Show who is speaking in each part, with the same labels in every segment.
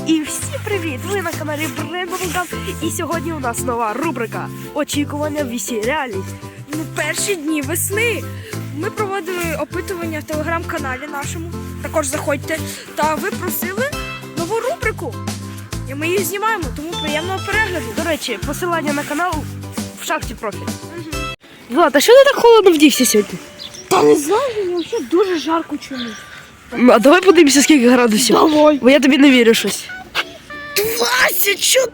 Speaker 1: І всім привіт! Ви на каналі Брендовгам. І сьогодні у нас нова рубрика «Очікування вісі реальність».
Speaker 2: Перші дні весни ми проводили опитування в телеграм-каналі нашому. Також заходьте. Та ви просили нову рубрику. І ми її знімаємо, тому приємного перегляду.
Speaker 1: До речі, посилання на канал в шапці профілю. Влад, а що ти так холодно вдівся сьогодні?
Speaker 2: Та не знаю, мені взагалі дуже жарко чомусь.
Speaker 1: А давай подивимося, скільки градусів.
Speaker 2: Давай.
Speaker 1: Бо я тобі не вірю щось.
Speaker 2: 24!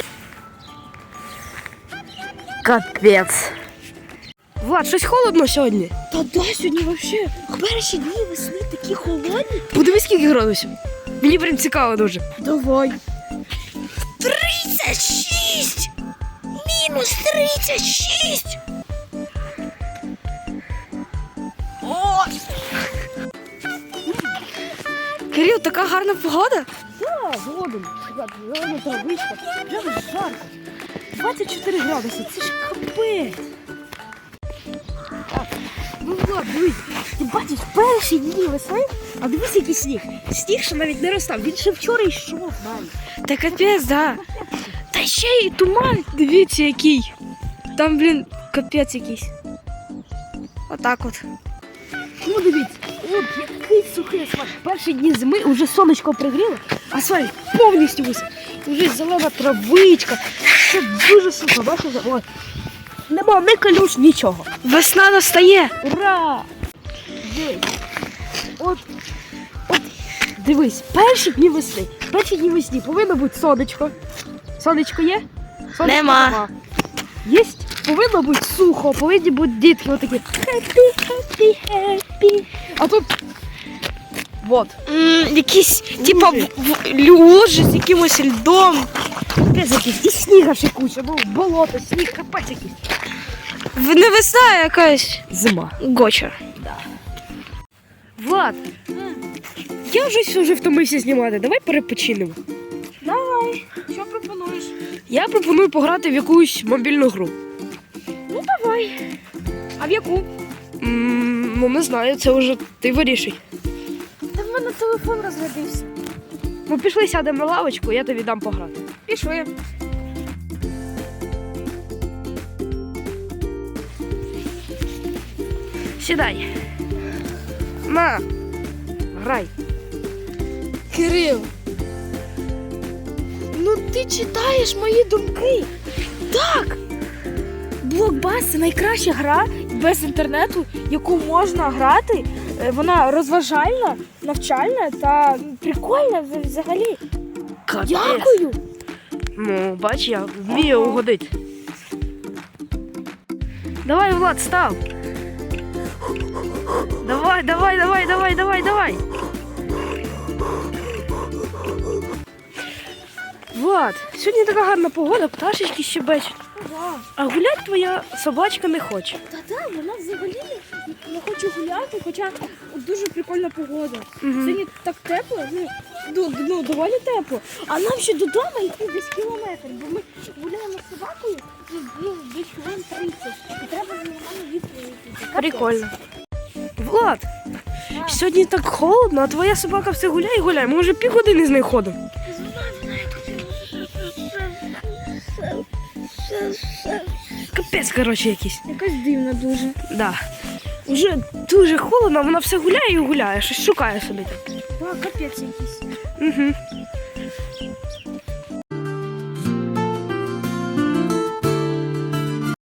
Speaker 1: Капець. Влад, щось холодно сьогодні.
Speaker 2: Та да, сьогодні взагалі перші дні весни такі холодні.
Speaker 1: Подивись, скільки градусів. Мені прям цікаво дуже.
Speaker 2: Давай. 36! Мінус 36! О!
Speaker 1: Кирил, така гарна погода.
Speaker 2: Так, згодом. Зелена травичка. Прямо жарко. 24 градуси. Це ж капець.
Speaker 1: Ну, Влад, дивись.
Speaker 2: Ти бачиш, перші дні весни, а дивись, який сніг. Сніг ще навіть не розстав. Він ще вчора йшов навіть.
Speaker 1: Та капець, да. Та ще й туман. Дивіться, який. Там, блін, капець якийсь. Отак от.
Speaker 2: Ну, дивіться. От який сухий асфальт. Перші дні зими вже сонечко пригріло, асфальт повністю висів. Вже зелена травичка. Це дуже сухо, бачите? От. Нема ні калюш, нічого.
Speaker 1: Весна настає.
Speaker 2: Ура! Дивись. От, дивись, перші дні весни. Перші дні весни повинно бути сонечко. Сонечко є? Сонечко
Speaker 1: Нема.
Speaker 2: Єсть? Повинно бути сухо, повинні бути дітки отакі. Happy, happy, happy. А тут вот.
Speaker 1: Якісь, типа, лужи з якимось льдом.
Speaker 2: Капець якийсь. І сніга ще куча, ну болото, сніг, капець якийсь.
Speaker 1: Не весна, а якась
Speaker 2: Зима.
Speaker 1: гоча. Влад, я вже втомився знімати. Давай перепочинемо.
Speaker 2: Давай, що пропонуєш?
Speaker 1: Я пропоную пограти в якусь мобільну гру.
Speaker 2: Ну давай. А в яку?
Speaker 1: Ну не знаю, це вже ти вирішуй.
Speaker 2: Та в мене телефон розрядився.
Speaker 1: Ну пішли, сядемо на лавочку, я тобі дам пограти.
Speaker 2: Пішли.
Speaker 1: Сідай. На, грай.
Speaker 2: Кирил, ну ти читаєш мої думки. Так. Блокбас – це найкраща гра без інтернету, яку можна грати. Вона розважальна, навчальна та прикольна взагалі.
Speaker 1: Капець.
Speaker 2: Дякую.
Speaker 1: Ну, бач, я вмію угодити. Давай, Влад, став. Давай. Влад, сьогодні така гарна погода, пташечки щебечуть. А гулять твоя собачка не хоче.
Speaker 2: Та вона взагалі не хоче гуляти, хоча дуже прикольна погода. Сьогодні так тепло, ну доволі тепло. А нам ще додому йти десь кілометр, бо ми гуляємо з собакою десь хвилин 30. І треба з нормально відповідати.
Speaker 1: Прикольно. Влад, сьогодні так холодно, а твоя собака все гуляє і гуляє. Ми вже півгодини з нею ходимо. Капець, коротше, якийсь.
Speaker 2: Якась дивна дуже.
Speaker 1: Да. Вже дуже холодно, вона все гуляє і гуляє, щось шукає собі там.
Speaker 2: Капець якийсь.
Speaker 1: Угу.